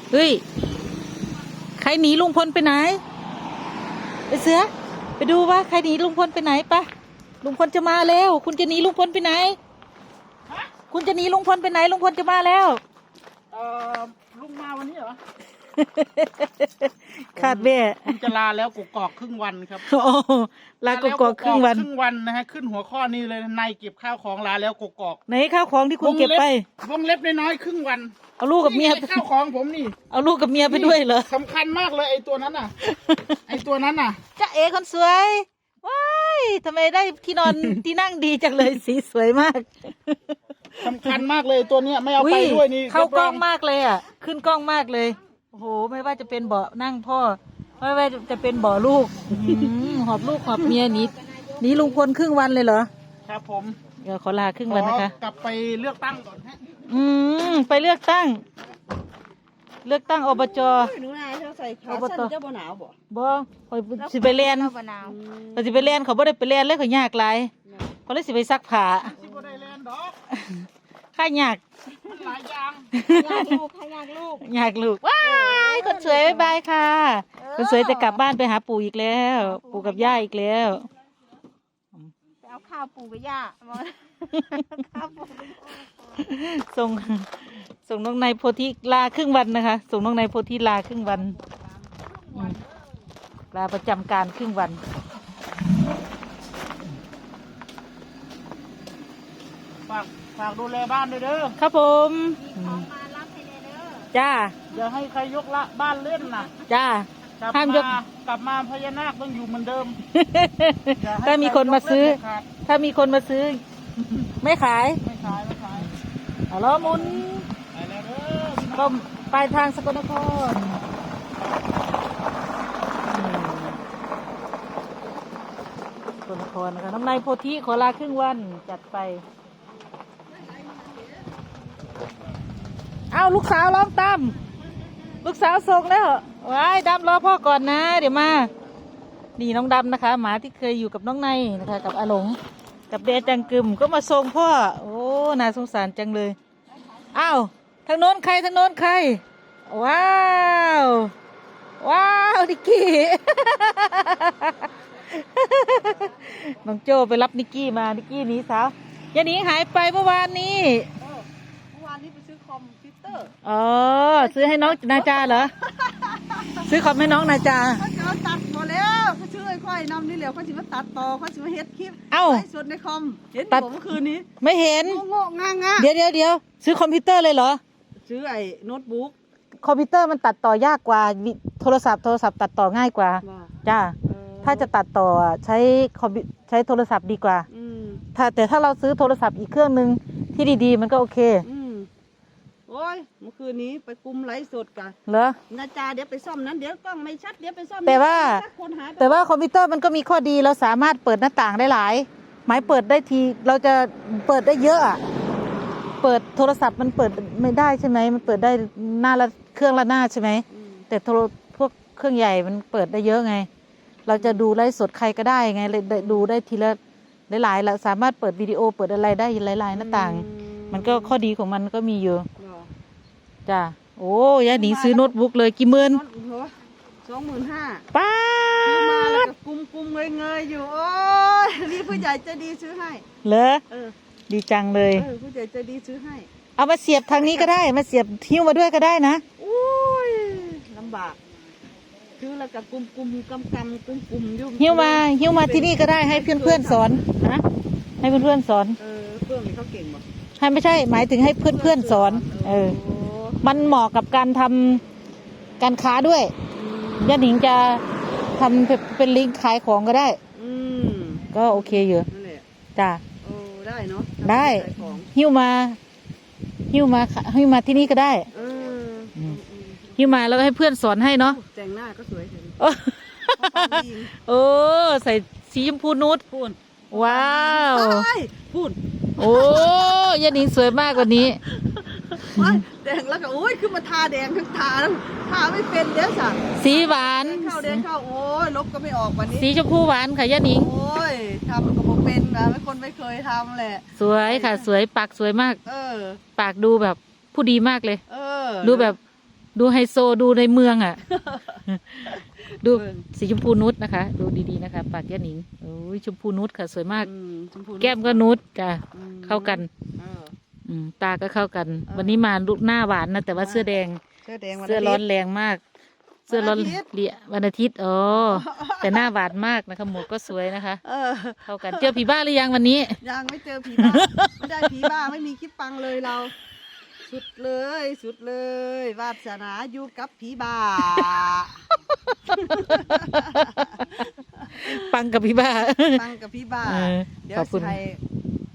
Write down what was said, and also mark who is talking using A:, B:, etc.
A: เฮ้ยใครหนีลุงพลไปไหนไปเสือไปดูว่าใครหนีลุงพลไปไหนปะลุงพลจะมาแล้วคุณจะหนีลุงพลไปไหนคุณจะหนีลุงพลไปไหนลุงพลจะมาแล้ว
B: ลุงมาวันนี้เหรอ
A: คาดแม่
B: คุณจะลาแล้วกกอกครึ่งวันครับ
A: โอ้ลากกอกครึ่ง
B: วันนะฮะขึ้นหัวข้อนี้เลยนายเก็บข้าวของลาแล้วกกอก
A: ไหนข้าวของที่คุณเก็บไป
B: วงเล็บน้อยๆครึ่งวัน
A: เอาลูกกับเมีย
B: ข้าวของผมนี่
A: เอาลูกกับเมียไปด้วยเหรอ
B: สำคัญมากเลยไอ้ตัวนั้นน่ะไอ้ตัวนั้นน่ะ
A: จ้าเอคนสวยว้ายทำไมได้ที่นอนที่นั่งดีจังเลยสีสวยมาก
B: สำคัญมากเลยตัวเนี้ยไม่เอาไปด้วยนี่
A: เข้ากล้องมากเลยอ่ะขึ้นกล้องมากเลยโอ้โหไม่ว่าจะเป็นเบาะนั่งพ่อไม่ว่าจะเป็นเบาะลูกหอบลูกหอบเมียหนีลุงพลครึ่งวันเลยเหรอ
B: ครับผม
A: เดี๋ยวขอลาครึ่งวันนะคะ
B: กลับไปเลือกตั้งก่อนฮะ
A: ไปเลือกตั้งอบจ
C: หนูนายเขาใส่ขาสั้นเจ้าบ่หนาว
A: บ่คอยสิไปเรียนเขาสิไปเรียนเขาบ่ได้ไปเรียนเลยเขายากหลายเขาเลยสิไปซักผ้า
B: สิบ่ได้เรียนดอก
A: ข้ายาก
B: หลายอย่าง
C: อยาก
A: ลูกว้ายคนสวยบ๊ายบายค่ะคนสวยจะกลับบ้านไปหาปู่อีกแล้วปู่กับย่าอีกแล้ว
C: ไปเอาข้าวปู่กับย่าข้าวปู่
A: ส่งน้องนายโพธิลาครึ่งวันนะคะส่งน้องนายโพธิลาครึ่งวันลาประจำการครึ่งวัน
B: ฝากดูแลบ้านด้วยเด้อ
A: ครับผมจ้า
B: อย่าให้ใครยกละบ้านเล่นนะ
A: จ้าห้ามยก
B: กลับมาพญานาคต้องอยู่เหมือนเดิม
A: ถ้ามีคนมาซื้อไม่ขายเอาล้อมุนก็ปลายทางสกลนครสกลนครนะคะน้ำนายโพธิขอลาครึ่งวันจัดไปเอาลูกสาวร้องตามลูกสาวส่งแล้วว้ายดำรอพ่อก่อนนะเดี๋ยวมานี่น้องดำนะคะหมาที่เคยอยู่กับน้องนายนะคะกับอาหลงกับเดจังกึมก็มาส่งพ่อโอ้น่าสงสารจังเลยอ้าวทางโน้นใครว้าวนิกกี้ น้องโจไปรับนิกกี้มานิกกี้หนีสาวยาหนีหายไปเมื่อวานนี้
C: ไปซื้อคอมพิวเตอร์
A: ซื้อให้น้องนาจาเหรอ ซื้อคอมให้น้องนาจา
C: เขาตัดหมดแล้วเขาซื้อไอ้ค่อยนำนี่เหลียวเขาสิมาตัดต่อเขาสิมาเฮ็ดคลิปไลฟ์สดในคอมเห็นผมเมื่อคืนนี้
A: ไม่เห็น
C: โง่ง่า
A: เดี๋ยวซื้อคอมพิวเตอร์เลยเหรอ
C: ซื้อไอ้โน้ตบุ๊ก
A: คอมพิวเตอร์มันตัดต่อยากกว่าโทรศัพท์ตัดต่อง่ายกว่าจ้าถ้าจะตัดต่อใช้โทรศัพท์ดีกว่าแต่ถ้าเราซื้อโทรศัพท์อีกเครื่องนึงที่ดีๆมันก็โอเค
C: โอ้ยเมื่อคืนนี้ไปกุมไลฟ์สดกัน
A: เหรอ
C: นาจาเดี๋ยวไปซ่อมนั้นเดี๋ยวกล้องไม่ชัดเดี๋ยวไปซ่อม
A: แต่ว่าคอมพิวเตอร์มันก็มีข้อดีเราสามารถเปิดหน้าต่างได้หลายหมายเปิดได้ทีเราจะเปิดได้เยอะอะเปิดโทรศัพท์มันเปิดไม่ได้ใช่ไหมมันเปิดได้หน้าละเครื่องละหน้าใช่ไหมแต่พวกเครื่องใหญ่มันเปิดได้เยอะไงเราจะดูไลฟ์สดใครก็ได้ไงเลยดูได้ทีละหลายๆเราสามารถเปิดวิดีโอเปิดอะไรได้หลายๆหน้าต่างมันก็ข้อดีของมันก็มีอยู่จ้าโอ้ยายหนิงซื้อโน้ตบุ๊กเลยกี่หมื่น
C: 25,000
A: ป้า
C: ซื้อมาแล้วก็กุมเงยอยู่โอ้ยนี่ผู้ใหญ่ใจดีซื้อให้
A: เหรอดีจังเลย
C: ผู้ใหญ่ใจดีซื้อให้
A: เอามาเสียบทางนี้ก็ได้มาเสียบหิ้วมาด้วยก็ได้นะ
C: โอ้ยลำบากซื้อแล้วก็กุมกำอยู่
A: หิ้วมาที่นี่ก็ได้ให้เพื่อนสอน
C: นะ
A: ให้เพื่อนสอน
C: เพื่อนเขาเก่งบ่
A: ให้ไม่ใช่หมายถึงให้เพื่อนสอนมันเหมาะกับการทำการค้าด้วยย่าหนิงจะทำเป็นลิงก์ขายของก็ได้ก็โอเคอยู่จ้า
C: ได้เนาะ
A: ได้หิ้วมาที่นี่ก็ได้หิ้วมาแล้วก็ให้เพื่อนสอนให้เนาะ
C: แต่งหน้าก็สวย
A: โอ้ใส่สีชมพูนูดว้าว
C: พูด
A: โอ้ยาหนิงสวยมากกว่านี้
C: แดงแล้วก็โอ้ยขึ้นมาทาแดงทั้งทาไม่เป็นเดี๋ยวสั่ง
A: สีหวาน
C: เข้าแดงเข้าโอ้ยลบก็ไม่ออกวันนี้
A: สีชมพูหวานค่ะยาหนิง
C: โอ้ยทำก็บอกเป็นนะไม่เคยทำแหละ
A: สวยค่ะสวยปากสวยมากปากดูแบบผู้ดีมากเลยดูแบบดูไฮโซดูในเมืองอ่ะ ดูสีชมพูนุชนะคะ ดูดีๆนะคะปากย่าหนิงโอ้ยชมพูนุชค่ะสวยมาก
C: ชมพู
A: แก้มก็นุชจ้ะ
C: อืม
A: เข้ากัน
C: เออ
A: ตาก็เข้ากัน
C: เออ
A: วันนี้มาลุกหน้าหวานนะแต่ว่าเสื้อแดง
C: เสื้อแดงวัน
A: เสื้อร้อน
C: าทิตย์
A: แรงมาก เสื้อร้อน
C: วันอาทิตย์
A: เลียวันอาทิตย์อ๋อแต่หน้าหวานมากนะคะหมวกก็สวยนะคะ
C: เออ
A: เข้ากันเจอผีบ้าหรือยังวันนี้
C: ยังไม่เจอผีบ้า ไม่ได้ผีบ้าไม่มีคลิปปังเลยเรา สุดเลยสุดเลยวาสนาอยู่กับผีบ้า
A: ปังกับผีบ้า
C: ปังกับผีบ้า
A: เออ
C: เดี๋ยว
A: ขอบคุณ
C: สิให้